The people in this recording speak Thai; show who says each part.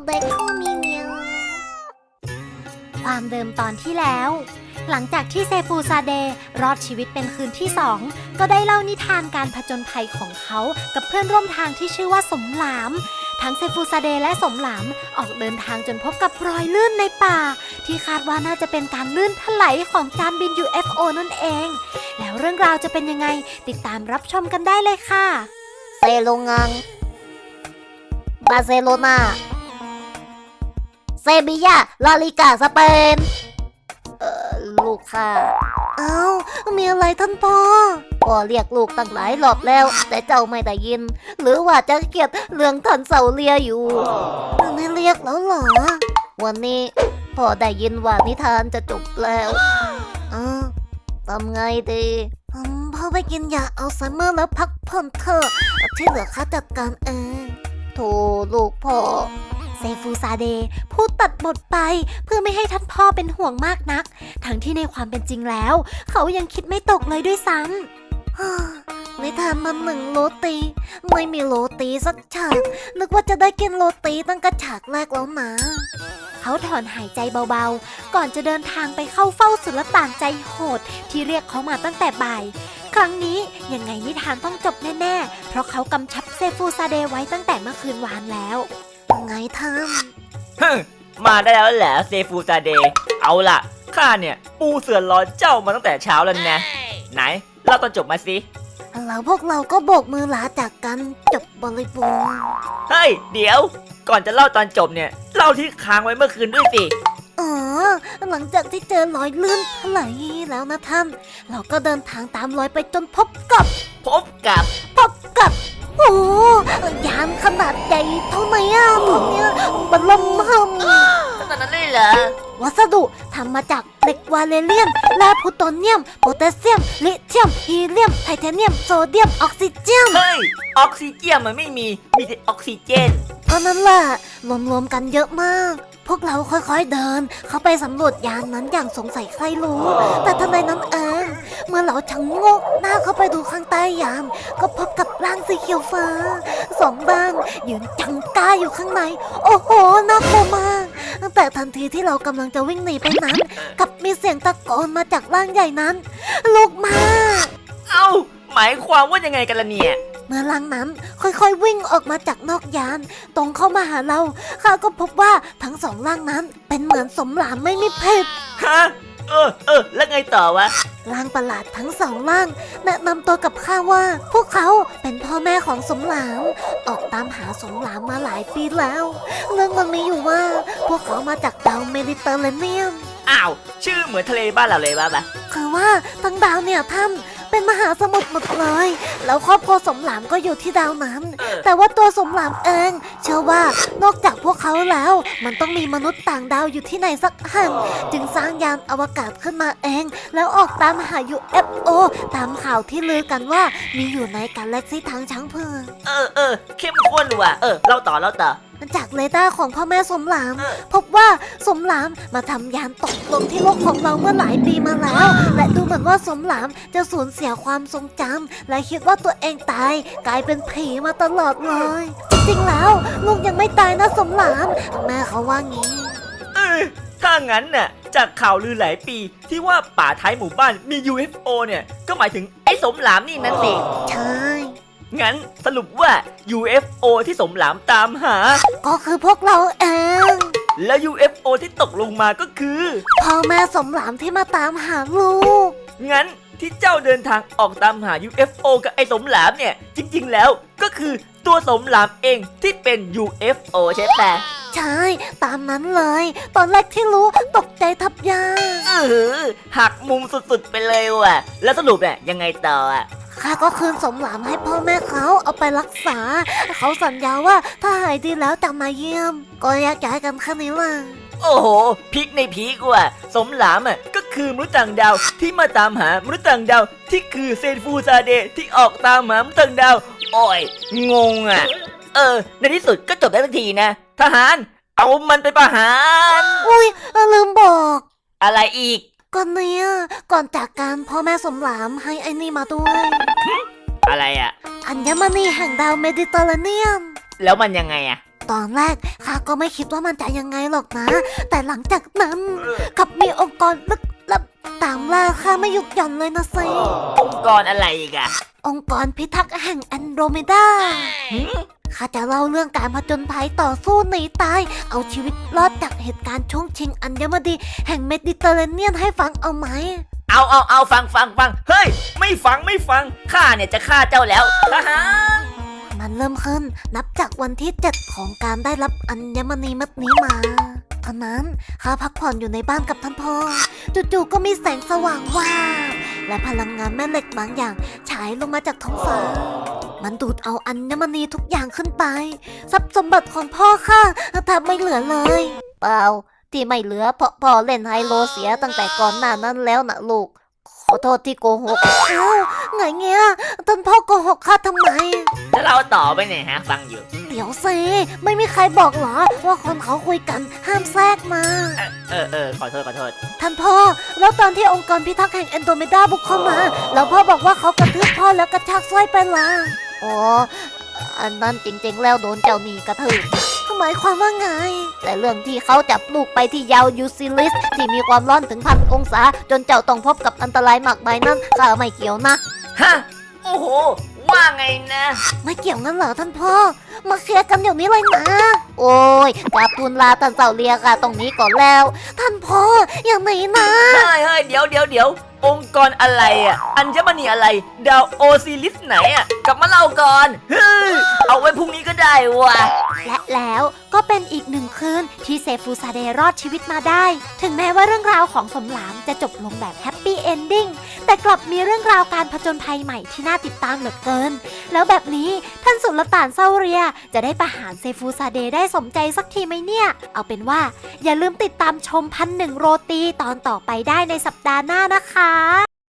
Speaker 1: เด็กเขามีเมียวความเดิมตอนที่แล้วหลังจากที่เซฟูซาเดย์รอดชีวิตเป็นคืนที่2ก็ได้เล่านิทานการผจญภัยของเขากับเพื่อนร่วมทางที่ชื่อว่าสมหลามทั้งเซฟูซาเดย์และสมหลามออกเดินทางจนพบกับรอยลื่นในป่าที่คาดว่าน่าจะเป็นการลื่นถลายของจานบิน UFO นั่นเองแล้วเรื่องราวจะเป็นยังไงติดตามรับชมกันได้เลยค่ะเซโลงังบาร์เซโลนาเซบียาลาลิกาสเปนลูกค่ะอ้าวมีอะไรท่านพ่อเรียกลูกตั้งหลายรอบแล้วแต่เจ้าไม่ได้ยินหรือว่าจะเกลียดเรื่องท่านเสาเลียอยู่ไม่เรียกแล้วเหรอวันนี้พ่อได้ยินว่านิทานจะจบแล้วทำไงดีพ่อไปกินยาอัลไซเมอร์แล้วพักผ่อนเถอะที่เหลือข้าจัดการเองโธ่ลูกพ่อเซฟูซาเดย์พูดตัดบทไปเพื่อไม่ให้ท่านพ่อเป็นห่วงมากนักทั้งที่ในความเป็นจริงแล้วเขายังคิดไม่ตกเลยด้วยซ้ำนิทานมัน1 โรตีไม่มีโรตีสักฉากนึกว่าจะได้กินโรตีตั้งแต่ฉากแรกแล้วนะเขาถอนหายใจเบาๆก่อนจะเดินทางไปเข้าเฝ้าสุลต่านใจโหดที่เรียกเขามาตั้งแต่บ่ายครั้งนี้ยังไงนิทานต้องจบแน่ๆเพราะเขากำชับเซฟูซาเดย์ไว้ตั้งแต่เมื่อคืนวานแล้วไงท่าน
Speaker 2: มาได้แล้วแหละเซฟูซาเดย์เอาล่ะข้าเนี่ยปูเสือรอเจ้ามาตั้งแต่เช้าแล้วนะไหนเล่าตอนจบมาสิ
Speaker 1: แล้วพวกเราก็โบกมือลาจากกันจบบริบูรณ์
Speaker 2: เฮ้ยเดี๋ยวก่อนจะเล่าตอนจบเนี่ยเล่าที่ค้างไว้เมื่อคืนด้วยสิ
Speaker 1: หลังจากที่เจอรอยลื่นถลายแล้วนะท่านเราก็เดินทางตามรอยไปจนพบกับโอ้ยานขนาดใหญ่เท่าไหร่ตรงเนี้ยบัลลัมหัม
Speaker 2: ขนาดนั้นเลยเหรอ
Speaker 1: วัสดุทำมาจากเหล็กวาเลเรียมแร่พลูโตเนียมโพแทสเซียมลิเธียมฮีเลียมไทเทเนียมโซเดียมออกซิเจน
Speaker 2: เฮ้ยออกซิเจนมันไม่มีแต่ออกซิเจน
Speaker 1: เพราะนั้นแหละรวมๆกันเยอะมากพวกเราค่อยๆเดินเข้าไปสำรวจยานนั้นอย่างสงสัยใครรู้แต่ทันใดนั้นเองเมื่อเราชะโงกหน้าเข้าไปดูข้างใต้ยานก็พบกับร่างสีเขียวฟ้า2 ร่างยืนจังก้าอยู่ข้างในโอ้โหน่ากลัวมากแต่ทันทีที่เรากำลังจะวิ่งหนีไปนั้นกับมีเสียงตะโกนมาจากร่างใหญ่นั้นลุกมา
Speaker 2: หมายความว่ายังไงกันล่ะเนี่ย
Speaker 1: เมื่อร่างนั้นค่อยๆวิ่งออกมาจากนอกยานตรงเข้ามาหาเราข้าก็พบว่าทั้ง2 ร่างนั้นเป็นเหมือนสมหลามไม่มีเพศ
Speaker 2: ฮะแล้วไงต่อวะ
Speaker 1: ร่างประหลาดทั้ง2 ร่างแนะนำตัวกับข้าว่าพวกเขาเป็นพ่อแม่ของสมหลามออกตามหาสมหลามมาหลายปีแล้วเรื่องมันมีอยู่ว่าพวกเขามาจากดาวเมดิเตอร์เรเนียน
Speaker 2: ชื่อเหมือนทะเลบ้านเราเลยป่ะ
Speaker 1: คือว่าทั้งดาวเนี่ยท่านเป็นมหาสมุทรหมดเลยแล้วครอบครัวสมหลามก็อยู่ที่ดาวนั้นแต่ว่าตัวสมหลามเองเชื่อว่านอกจากพวกเขาแล้วมันต้องมีมนุษย์ต่างดาวอยู่ที่ไหนสักแห่งจึงสร้างยานอวกาศขึ้นมาเองแล้วออกตามหา UFO ตามข่าวที่ลือกันว่ามีอยู่ในกาแล็กซี่ทางช้างเผือก
Speaker 2: เข้มข้นว่ะเล่าต่อ
Speaker 1: จากเรดาร์ของพ่อแม่สมหลามพบว่าสมหลามมาทำยานตกลงที่โลกของเราเมื่อหลายปีมาแล้วและดูเหมือนว่าสมหลามจะสูญเสียความทรงจำและคิดว่าตัวเองตายกลายเป็นผีมาตลอดเลยจริงๆแล้วลูกยังไม่ตายนะสมหลามแม่เขาว่างี้
Speaker 2: ถ้างั้นน่ะจากข่าวลือหลายปีที่ว่าป่าท้ายหมู่บ้านมี UFO เนี่ยก็หมายถึงไอ้สมหลามนี่นั่นสิ
Speaker 1: ใช่
Speaker 2: งั้นสรุปว่า UFO ที่สมหลามตามหา
Speaker 1: ก็คือพวกเราเอง
Speaker 2: และ UFO ที่ตกลงมาก็คือ
Speaker 1: พ่อแม่สมหลามที่มาตามหาลูก
Speaker 2: งั้นที่เจ้าเดินทางออกตามหา UFO กับไอ้สมหลามเนี่ยจริงๆแล้วก็คือตัวสมหลามเองที่เป็น UFO ใช่ไหม
Speaker 1: ใช่ตามนั้นเลยตอนแรกที่รู้ตกใจทับยา
Speaker 2: หักมุมสุดๆไปเลยว่ะแล้วสรุปเนี่ยยังไงต่อ
Speaker 1: ข้าก็คืนสมหลามให้พ่อแม่เขาเอาไปรักษาเขาสัญญาว่าถ้าหายดีแล้วจะมาเยี่ยมก็แยกย้ายกันแค่นี้ล่ะ
Speaker 2: โอ้โหพีคในพีกว่ะสมหลามก็คือมนุษย์ต่างดาวที่มาตามหามนุษย์ต่างดาวที่คือเซฟูซาเดย์ที่ออกตามหามนุษย์ต่างดาวโอ้ยงงในที่สุดก็จบได้ทันทีนะทหารเอามันไปประหาร
Speaker 1: อุ้ยลืมบอก
Speaker 2: อะไรอีก
Speaker 1: ก่อนเนี่ยก่อนจากการพ่อแม่สมหลามให้ไอ้นี่มาด้วย
Speaker 2: อะไร
Speaker 1: อัญมณีแห่งดาวเมดิเตอร์เรเนียน
Speaker 2: แล้วมันยังไง
Speaker 1: ตอนแรกข้าก็ไม่คิดว่ามันจะยังไงหรอกนะ แต่หลังจากนั้นกลับมีองค์กรลึกลับตามล่าข้าไม่หยุดหย่อนเลยนะสิ
Speaker 2: องค์กรอะไรอีกอะ
Speaker 1: องค์กรพิทักษ์แห่งแอนโดรเมดา ข้าจะเล่าเรื่องการผจญภัยต่อสู้หนีตาย เอาชีวิตรอดจากเหตุการณ์ช่วงชิงอัญมณีแห่งเมดิเตอร์เรเนียนให้ฟังเอาไหม
Speaker 2: เอาฟังเฮ้ยไม่ฟังข้าเนี่ยจะฆ่าเจ้าแล้วทหาร
Speaker 1: มันเริ่มขึ้นนับจากวันที่ 7 ของการได้รับอัญมณีเม็ดนี้มาตอนนั้นข้าพักผ่อนอยู่ในบ้านกับท่านพ่อจู่ๆก็มีแสงสว่างวาบและพลังงานแม่เหล็กบางอย่างฉายลงมาจากท้องฟ้า มันดูดเอาอัญมณีทุกอย่างขึ้นไปทรัพย์สมบัติของพ่อข้าแทบไม่เหลือเลยเปล่าที่ไม่เหลือเพราะพ่อเล่นไฮโลเสียตั้งแต่ก่อนหน้านั้นแล้วนะลูกขอโทษที่โกหกเอ้าไงเงี้ยท่านพ่อโกหกข้าทำไม
Speaker 2: แล้วเราต่อไปเนี่ยฮะฟังอยู่
Speaker 1: เดี๋ยวสิไม่มีใครบอกเหรอว่าคนเขาคุยกันห้ามแทรกมา
Speaker 2: ขอโทษ
Speaker 1: ท่านพ่อแล้วตอนที่องค์กรพิทักษ์แห่งแอนโดรเมดาบุกเข้ามาแล้วพ่อบอกว่าเขากระทืบพ่อแล้วกระชากสร้อยไปละอ๋ออันนั้นจริงๆแล้วโดนเจ้าหนี้กระทืบหมายความว่าไง แต่เรื่องที่เขาจับลูกไปที่ยาวยูซิลิสที่มีความร้อนถึง1,000 องศาจนเจ้าต้องพบกับอันตรายมากมายนั้นข้าไม่เกี่ยวนะ
Speaker 2: ฮะโอ้โหว่าไงนะ
Speaker 1: ไม่เกี่ยวงั้นเหรอท่านพ่อมาเคลียร์กันเดี๋ยวนี้เลยนะ โอ้ยกราบทูลลาท่านเจ้าเลียค่ะตรงนี้ก่อนแล้ว ท่านพ่ออย่างไหนนะ
Speaker 2: เฮ้ยเดี๋ยวองค์กรอะไรอ่ะอัญมณีอะไรดาวโอซิลิสไหนอ่ะกลับมาเล่าก่อนเฮ้ยเอาไว้พรุ่งนี้ก็ได้ว่ะ
Speaker 1: และแล้วก็เป็นอีกหนึ่งคืนที่เซฟูซาเดย์รอดชีวิตมาได้ ถึงแม้ว่าเรื่องราวของสมหลามจะจบลงแบบแฮปปี้เอนดิ้งแต่กลับมีเรื่องราวการผจญภัยใหม่ที่น่าติดตามเหลือเกิน แล้วแบบนี้ท่านสุลต่านเซาเรียจะได้ประหารเซฟูซาเดย์ได้สมใจสักทีไหมเนี่ย เอาเป็นว่าอย่าลืมติดตามชม1,001 โรตีตอนต่อไปได้ในสัปดาห์หน้านะคะ